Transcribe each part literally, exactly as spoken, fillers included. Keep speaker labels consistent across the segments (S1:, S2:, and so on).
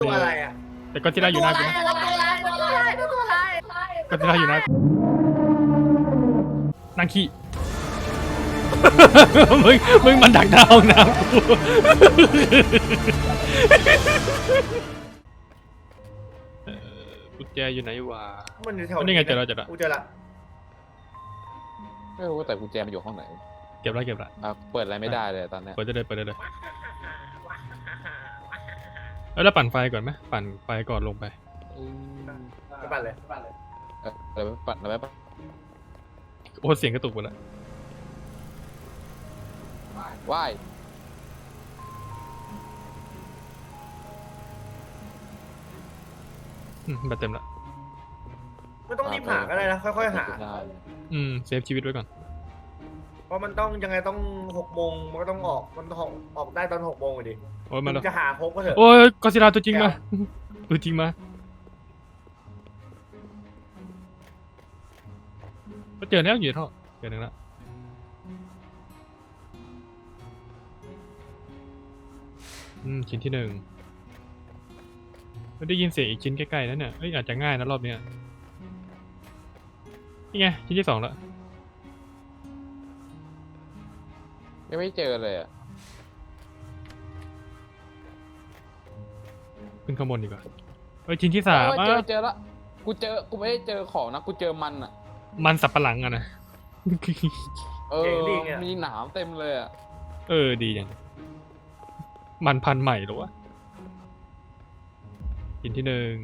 S1: ตัวอะไรอ่ะ
S2: แต่ก็ที่ได้อยู่หน้ากูนะ
S1: ตัวอะไรตัวอะไรตัวอะไร
S2: ก็ที่ได้อยู่หน้ากูนั่งขี้ มึงมึงมันดักดาวน้ำกูเอ่อกุญแจอยู่ไหนวะ
S1: มันอยู่แถว
S2: นี่ไงเจอแล้วเจอแล้ว
S1: กูเจอละ
S3: ไม่รู้แต่กุญแจมันอยู่ห้องไหน
S2: เก็บแล้วเก็บแล้ว
S3: อ่ะเปิดอะไรไม่ได้เลยตอนเนี้ย
S2: เปิดได้เลยเปิดได้เลยเอ้ยแล้วปั่นไฟก่อนไหมปั่นไฟก่อนลงไป
S3: อืม
S1: ไปปั่นเลย
S3: เอออะไรไม่ปัดอะไรไม่ปัด
S2: โอ้เสียงกระตุกหมดแล้ว
S3: ว่าย
S2: อืมแบตเต็มละ
S1: ไม่ต้องรีบหาก็ได้นะค่อยๆหา
S3: ได้
S2: อืมเซฟชีวิตไว้ก่อน
S1: เพราะมันต้องยังไงต้องหกโมงมันก็ต้องออกมันต้องออกได้ตอนหกโมงเลยดิ
S2: โอ้ยมาแล้ว
S1: จะหาครบก็เถอะ
S2: โอ้ยกอซิลลาตัวจริงมาตัวจริงมาก็เจอแล้วอยู่ท่อเจอหนึ่งละอืมชิ้นที่หนึ่งไม่ได้ยินเสียงอีกชิ้นใกล้ๆนั่นเนี่ยเอ้ยอาจจะง่ายนะรอบเนี้ยนี่ไงชิ้นที่สองแล้ว
S3: ยังไม่เจอเลยอ่ะ
S2: ขึ้นข้างบนดีกว่าเอ้ยชิ้นที่สาม
S3: เออเจอ
S2: อ่ะ
S3: เจอละกูเจอกูไม่ได้เจอของนะกูเจอมันอ่ะ
S2: มันสับปะหลังอะนะ
S3: เออมีหนามเต็มเลยอ่ะ
S2: เออดีอย่างมันพันธุ์ใหม่หรอวะชิ้นที่หนึ่ง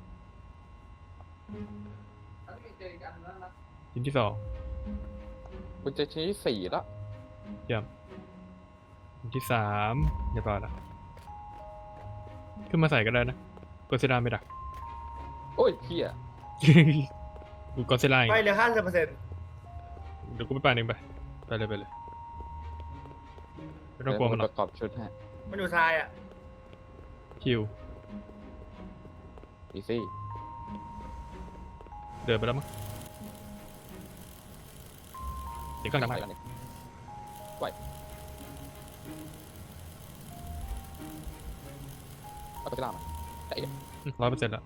S2: ชิ้นที่สอง
S3: กูเจอชิ้นที่สี่ละ
S2: เยี่ยมชิ้นที่สามเรียบร้อยแล้วขึ้นมาใส่ก็ได้นะกอซิลลาไม่ดัก
S3: โอ้ยเฮีย
S2: กูกอซิลลา
S1: ไปเหลือห้าสิบเปอร์เซ็นต์
S2: เดี๋ยวกูไปปานเองไปไปเลยไปเลยไม่ต้องกลัวมันหร
S3: ป
S2: อก
S3: ระกอบชุดให้
S1: มันอยู่ทรายอ่ะ
S2: คิว
S3: อีซี่
S2: เดินไปแล้วมั้งเดี๋ยวก็
S3: ทำ
S2: ทำ
S3: ไม
S2: ให้
S3: กันเนี่ยไหวเอาไปล่ามันไอ้
S2: ร้อยเปอร์เซ็นต์แล้ว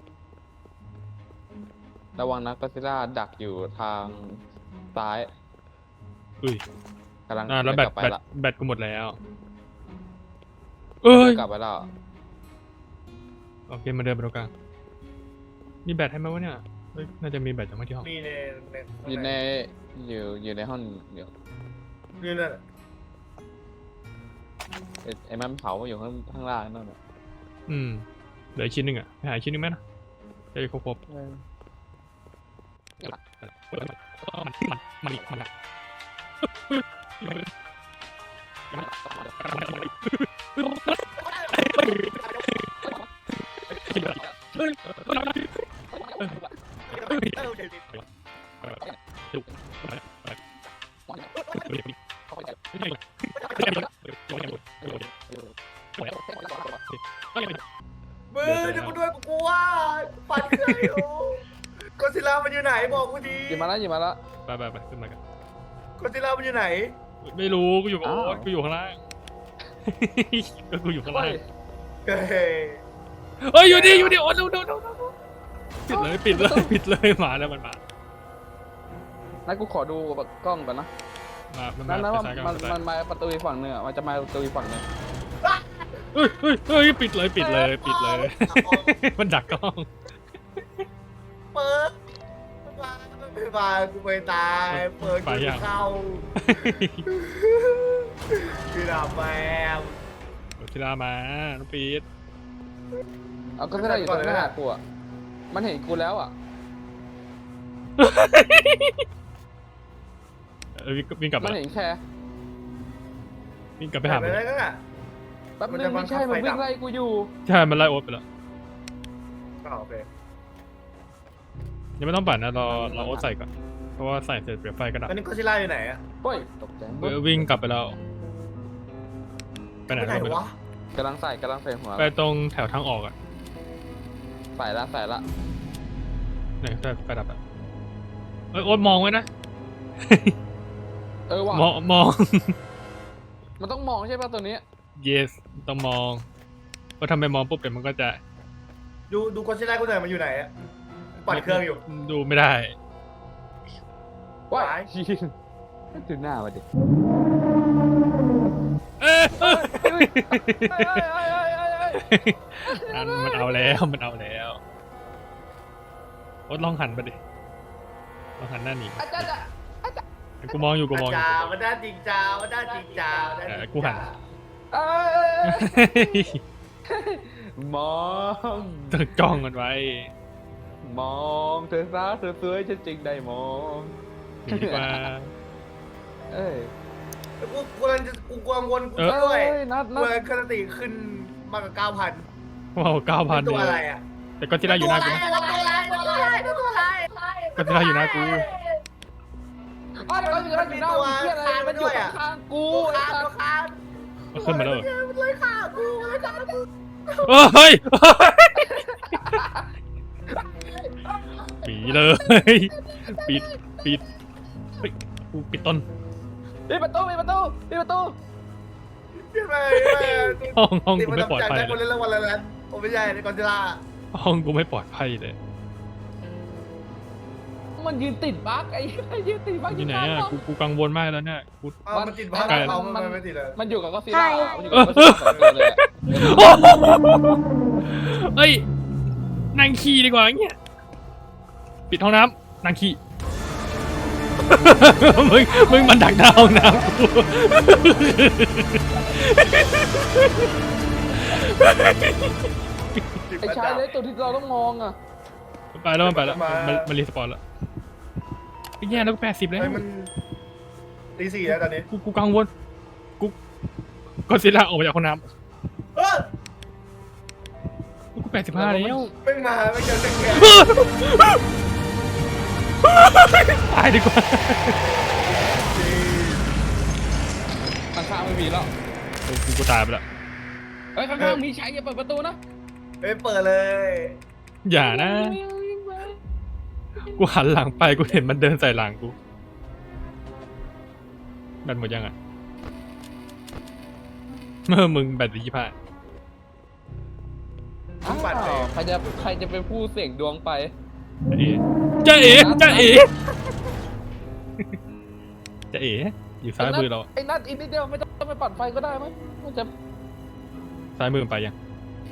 S3: ระวังนะก็ซิล่าดักอยู่ทางซ้าย
S2: อุ้ย
S3: กำลัง
S2: อ่าแล้วแบต
S3: กลับไป
S2: แบต
S3: ละ
S2: แบตกูหมดแล้วเอ้ย
S3: กลับไปแล้ว
S2: โอเคมาเดินไปตรงกลางมีแบตให้ไหมวะเนี่ยเฮ้ยน่าจะมีแบตจากไม่ที่ห้อง
S1: มีในใน
S3: อยู่ในอยู่อยู่ในห้องเดี๋ยว
S1: นี่นั่น
S3: ไอ้ไอ้มันเผาอยู่ข้างข้างล่างนั่นน่ะ
S2: อืมเหลืออีกชิ้นหนึ่งอ่ะไปหาอีกชิ้นหนึ่งไหมนะจะได้ครบครบมันมันมันมันอะ
S1: มือเดี๋ยวกูด้วยกูกลัวปั่นเครื่องอยู่กอซิลลามันอยู่ไหนบอกกูดี
S3: หยิบมาแล้วหยิบมาแล้ว
S2: ไปไปไปขึ้นมากัน
S1: กอซิลลามันอยู่ไหน
S2: ไม่รู้กูอยู่กับ
S3: อ้าว
S2: โอ๊ตกูอยู่ข้างล่างก็กูอยู่ข้างล่าง
S1: เฮ้ย
S2: เฮ้ยอยู่ดิอยู่ดิโอ๊ตดูดูดูดูปิดเลยปิดเลยปิดเลยมาแล้วมันมา
S3: นั่นกูขอดูกล้องก่อนนะ
S2: มามัน
S3: นั่
S2: มาน
S3: นั้น
S2: ไป
S3: ว่า
S2: ซ้ายกัน
S3: มัน
S2: ไปซ้าย
S3: มันมาประตูอีกฝั่งหนึงอ่ะมันจะมาประตูอีกฝั่งหนึง
S2: เฮ้ยเฮ้ยเฮ้ยปิดเลยปิดเลยปิดเลย มันดักกล้อง
S1: เปิดมาไม่มากูไปตายเปิดกูเข้าพี่ดาบแมว
S2: ทีลามาน้องปีด
S3: เอาก็ไม่ได้อยู่ตรงหน้ากูอ่ะมันเห็นกูแล้วอ่ะ
S2: เออวิ่งวิ่งกลับ
S3: มั
S2: มาน
S3: เห็นแค่
S2: วิ่งกลับไปหา
S1: ไป
S2: มัน
S1: แล้วก็
S3: แป๊บ
S1: มัน
S3: นึ
S1: จะ
S3: ง
S1: บั
S3: ไม่
S1: งคับ
S3: ใช่มัน
S1: ไฟดั
S3: วิ่
S1: บ
S3: งไล่กูอยู่
S2: ใช่มันไล่โอ๊ตไปแล้ว
S1: โอเค
S2: ยังไม่ต้องปั่นนะรอรอโอ๊ตใส่ก่อนเพราะว่าใส่เสร็จเปลี่ยนไฟก็ดับ
S1: ตอนนี้กอซิลลาอยู่ไหนอะ
S3: เฮ้ยตกใจ
S2: เออวิ่งกลับไปแล้วไปไหน
S1: ไปไหน
S2: แล้วไปไหน
S1: วะ
S3: กำลังใส่กำลังใส่หัว
S2: ไปตรงแถวทางออกอ่ะ
S3: ใส่ละใส่ละ
S2: ไหนไฟไฟดับอ่ะเอ้ยโอ๊ตมองไว้นะ
S3: เออว่ะ
S2: มองมอง
S3: มันต้องมองใช่ป่ะตัวนี้
S2: yes ต้องมองเพราะทำไปมองปุ๊บเดี๋ยวมันก็จะ
S1: ดูดูกอนชิล่ากูหน่อยมันอยู่ไหนอะปั่นเครื่องอยู่
S2: ดูไม่ได้
S3: ว้า
S1: หาย
S3: ยชินดูหน้ามาดิ
S2: เอ้ย
S3: เอ้ยเอ้ยเอ้ยเอ้ยเอ้ยเอ้ย
S2: อันมันเอาแล้วมันเอาแล้วโอ๊ตลองหันไปดิลองหันหน้าหนี
S3: อาจารย์อะอาจารย์
S2: กูมองอยู่กูมองอยู่
S1: จ้ามันได้จริงจ้ามันได้จริงจ้ามันได้จริง
S2: เออกูหัน
S1: จ้า
S3: เอ้ยเอ้ยเอ้ยมอง
S2: ต้องจ้องมันไว้
S3: มองเธอซะเธอสวยฉันจริงได้มอง
S2: หนีดีกว่า
S3: เอ้ย
S1: แล้วกูกูกำลังจะกูกังวลกู
S2: เออ
S1: ด้วย
S3: เอ้ยนัด
S1: กู
S3: นัด
S1: เลยคติขึ้นมากกว่าเก้าพัน
S2: ว้าวเก้าพัน
S1: ตัวอะไรอ่ะ
S2: แต่ก็ที่ได้อยู่หน้ากูนะ
S1: ตัวอะไรตัวอะไรตัวอะไร
S2: ก็ที่ได้อยู่หน้ากู
S3: อ้าวเดี๋ยวมันอยู่ด้านหน้ากูเหี้ยอะไรมันอยู่ข้างๆกู
S1: กู
S3: ไอ้
S1: คาน
S3: สั
S1: ตั
S3: ส
S1: วคาน
S2: เอาขึ้นมาแล้วเหรอ
S1: มันเลยฆ่ากูมันเลยฆ่ากู
S2: เฮ้ยปีเลยปิดปิดเฮ้ยกูปิดต้น
S3: ปิดประตูปิดประตูปิดประตู
S1: ใช่ไหม
S2: ห้องห้อง
S1: ติด
S2: กู
S1: มา
S2: ไม่ปลอด
S1: ทำจาก
S2: ภัย
S1: ได้คน
S2: เลย
S1: เล่นรางวัลอะไรนั้นผมไม่ใช่ในกอนจิล่า
S2: ห้องกูไม่ปลอดภัยเลย
S3: มันยืนติดบั๊กไอ้ยืนติดบั๊ก
S2: อยู่ไหนอ่ะกูกูกังวลมากแล้วเนี่ยกู
S1: อ้าวมันติดบ้านเขามันไม่ติดเลย
S3: มันอยู่กับก็ซิล่ามันอยู่กับก็ซิล่าสองตัวเลยอะ
S2: โอ้โหเฮ้ยนั่งขี่ดีกว่าเงี้ยปิดห้องน้ำนั่งขี่ มึงมึงมันดักหน้าห้องน้ำกู
S3: ไอ้ชายเล็กตัวที่เราต้องมองอ่ะ
S2: ไปแล้วมันไปแล้วมันมันรีสปอนแล้วไอ้แย่แล้วกูแปดสิบแล้ว
S1: เฮ้ยมันตีสี่แล้วตอนนี้
S2: กูกูกังวลกูก็ซิล่าออกมาจากห้องน้
S1: เออ
S2: ำกูแปดสิบห้าแล้ว
S1: เพิ่งมาไม่เจอเด็กแก่
S2: ตายดีกว่า
S3: ข้างๆไม่มีแล้ว
S2: กูกูกูตายไปแล้ว
S3: เฮ้ยข้างๆมีชายอย่าเปิดประตูนะ
S1: เอ้ยเปิดเลย
S2: อย่านะ กูหันหลังไปกูเห็นมันเดินใส่หลังกูแบตหมดยังอ่ะเมื่อมึงแบตเหลือยี่สิบห้า
S1: ทุกบัตรเลย
S3: ใครจะใครจะเป็นผู้เสี่ยงดวงไป
S2: จ้าเอ๋จ้าเอ๋จ้าเอ๋อยู่ซ้ายมือเรา
S3: ไอ้นัดอีกนิดเดียวไม่ต้องไปปัดไฟก็ได้มั้ยมันจะ
S2: ซ้ายมือมันไปยัง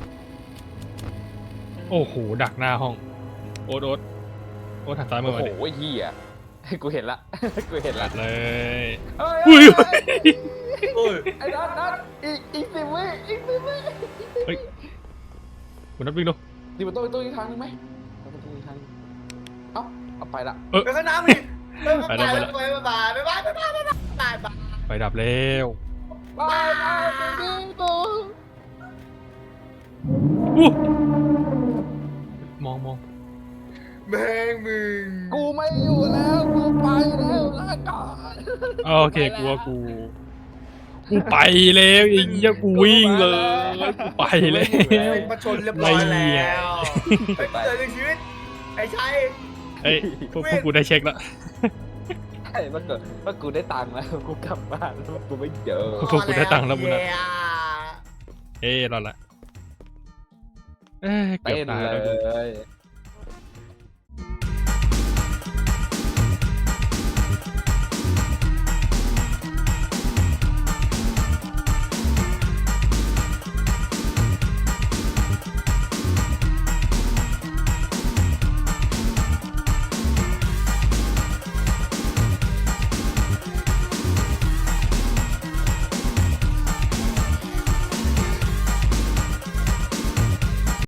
S2: โอ้โหดักหน้าห้องโอ๊ตโอ๊ตโอ๊ตหันซ้ายมื
S3: โอ้
S2: อมา
S3: โห
S2: ดิ
S3: เฮียกูเห็นละกูเห็น
S2: ตั
S3: ละ
S2: ดเลย
S3: เฮ้ย
S2: อุ้ย
S1: โอ้ย
S3: ไอ้นัดนัดอีกอีกสิบวิอีกสิบวิ
S2: เฮ้ยคุณนับวิ่งดู
S3: ดีประตูประตูอีกทางนึงไหมประตูอีกทางนึงเอ้าเอาไปละ
S2: เออ
S1: ไปข้างน้ำดิไปไปไปไปไปไปไปไปไปไปไป
S2: ไฟดับแล้ว
S3: ไปไปไปดิตู
S2: อู้มองมอง
S1: แม่งมึง
S3: กูไม่อยู่แล้วกูไปแล้วลาก่อน
S2: โอเคกูว่ากูกูไปแล้วไอ้เหี้ยกูวิ่งเลยกูไปแล้ว
S1: มาชนเรียบร้อยแล้วไปเจอในชีวิตไอ้ชัย
S2: เอ้ยพวกพวกกูได้เช็คแล้ว
S3: ไอ้เมื่อเกิดเมื่อกูได้ตังค์แล้วกูกลับบ้านแล้วกูไม่เจอ
S2: พวกกูได้ตังค์แล้วมึงนะเอ้ยรอดละเอ้ยเกือบ
S3: เต้น
S2: ตาย
S3: เล
S2: แล้วกู
S3: ย